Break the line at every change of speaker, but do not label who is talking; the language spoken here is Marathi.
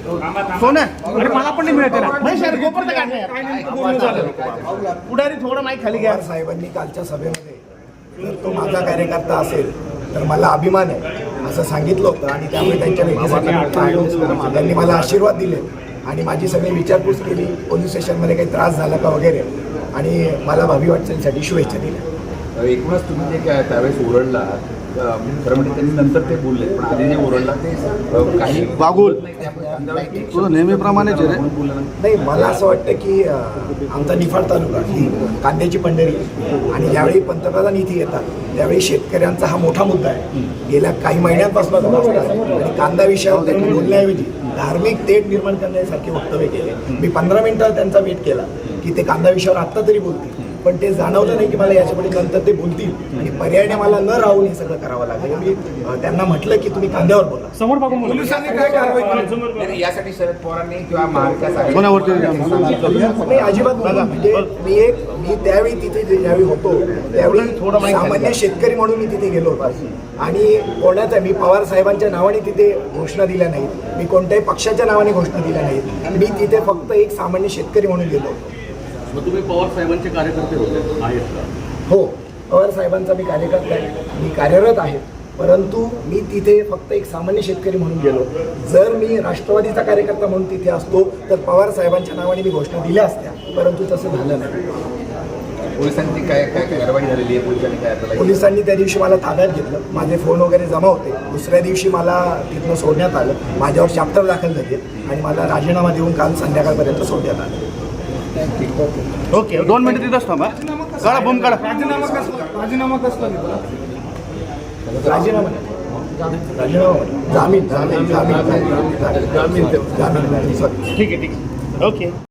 सोनं अरे मला पण नाही मिळते ना नाही सर गोपर्त पुढारी थोडं माहीत खाली घ्या.
साहेबांनी कालच्या सभेमध्ये जर तो माझा कार्यकर्ता असेल तर मला अभिमान आहे असं सांगितलं होतं आणि त्यामुळे त्यांच्या भेटीसाठी त्यांनी मला आशीर्वाद दिले आणि माझी सगळी विचारपूस केली. पोलीस स्टेशनमध्ये काही त्रास झाला का वगैरे आणि मला भावी वाटचालीसाठी शुभेच्छा दिल्या.
एकूणच तुम्ही जे काय त्यावेळेस ओरडला खरं म्हणजे त्यांनी नंतर ते बोलले पण आधी जे ओरडला ते काही
वागूल तुझं नेहमीप्रमाणेच आहे
नाही. मला असं वाटतं की आमचा निफाड तालुका ही कांद्याची पंढरी आणि ज्यावेळी पंतप्रधान इथे येतात त्यावेळी शेतकऱ्यांचा हा मोठा मुद्दा आहे. गेल्या काही महिन्यांपासून आणि कांदा विषयावर त्यांनी बोलण्याऐवजी धार्मिक तेढ निर्माण करण्यासारखे वक्तव्य केले. मी 15 मिनिटं त्यांचा वेट केला की ते कांदा विषयावर आत्ता तरी बोलतील पण ते जाणवलं नाही की मला याच्यापुढे नंतर ते बोलतील आणि पर्यायाने मला न राहून हे सगळं करावं लागेल. मी त्यांना म्हटलं की तुम्ही कांद्यावर बोला.
समोर बघून
पोलिसांनी काय कारवाई यासाठी शरद पवारांनी किंवा
नाही अजिबात बघा म्हणजे मी त्यावेळी तिथे ज्यावेळी होतो त्यावेळी सामान्य शेतकरी म्हणून मी तिथे गेलो होतो आणि कोणाचा मी पवार साहेबांच्या नावाने तिथे घोषणा दिल्या नाहीत. मी कोणत्याही पक्षाच्या नावाने घोषणा दिल्या नाहीत. मी तिथे फक्त एक सामान्य शेतकरी म्हणून गेलो होतो.
मग तुम्ही पवार साहेबांचे कार्यकर्ते होते आहेत का?
हो पवार साहेबांचा मी कार्यकर्ता आहे. मी कार्यरत आहे परंतु मी तिथे फक्त एक सामान्य शेतकरी म्हणून गेलो. जर मी राष्ट्रवादीचा कार्यकर्ता म्हणून तिथे असतो तर पवार साहेबांच्या नावाने मी घोषणा दिल्या असत्या परंतु तसं झालं नाही.
पोलिसांची काय काय कारवाई झालेली आहे? पोलिसांनी काय
पोलिसांनी त्या दिवशी मला ताब्यात घेतलं. माझे फोन वगैरे जमा होते. दुसऱ्या दिवशी मला तिथनं सोडण्यात आलं. माझ्यावर चॅप्टर दाखल झाले आणि मला राजीनामा देऊन काल संध्याकाळपर्यंत सोडण्यात आलं.
ओके 2 मिनिट तिथंच थांबा. काढा बूम काढा.
राजीनामा जामीन
ठीक आहे ओके.